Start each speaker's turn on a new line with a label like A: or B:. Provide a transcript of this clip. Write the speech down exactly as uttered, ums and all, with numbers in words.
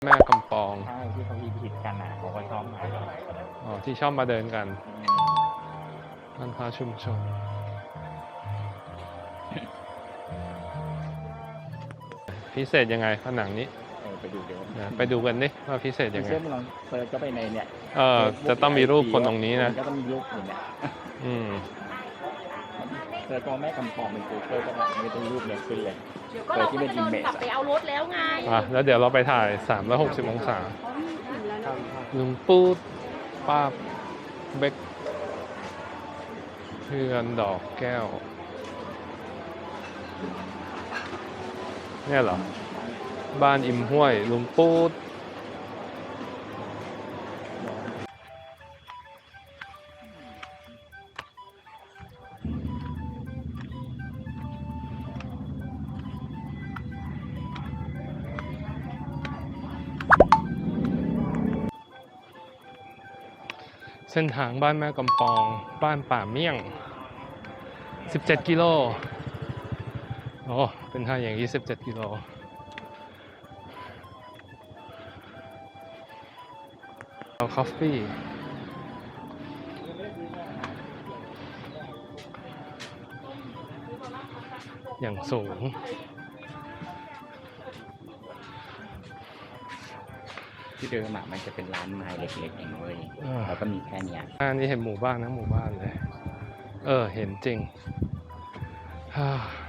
A: แม่กำปอง
B: ใช่ที่เขาฮิตฮิตกันอ่ะเขาก็ชอบมา
A: อ๋อที่ชอบมาเดินกันร้านค้าชุมชนพิเศษยังไงผนังนี้
B: เออไปดูเดี๋ยว
A: นะไปดูกันดิว่าพิเศษยังไง
B: เชื่อมลองเซิร์ชก็ไปในเนี่ย
A: เออจะต้องมีรูปคนตรงนี้นะ
B: ก็ต้องมีรูปอย่างเนี้ย
A: อืม
B: เซิร์ชก็แม่กำปองเป็นกูเกิลก็ได้ไม่ต้องรูปเนี่ยขึ้นเลย
C: เดี๋ยวก็เราก็จะเดินกลับไปเอารถแล้วไง
A: อ่ะแล้วเดี๋ยวเราไปถ่ายสามร้อยหกสิบองศาลุงปูดป้าเบกเพื่อนดอกแก้วเนี่ยเหรอบ้านอิมห้วยลุงปูดเส้นทางบ้านแม่กำปองบ้านป่าเมี่ยงสิบเจ็ดกิโลโอ้เป็นทางอย่างนี้สิบเจ็ดกิโลเอาคอฟฟี่อย่างสูง
B: ที่เดิมอ่ะมันจะเป็นร้านไม้เล็กๆเองเว้ยแล้วก็มีแค่เนี้ย
A: อันนี้เห็นหมู่บ้านนะหมู่บ้านเลยเออเห็นจริง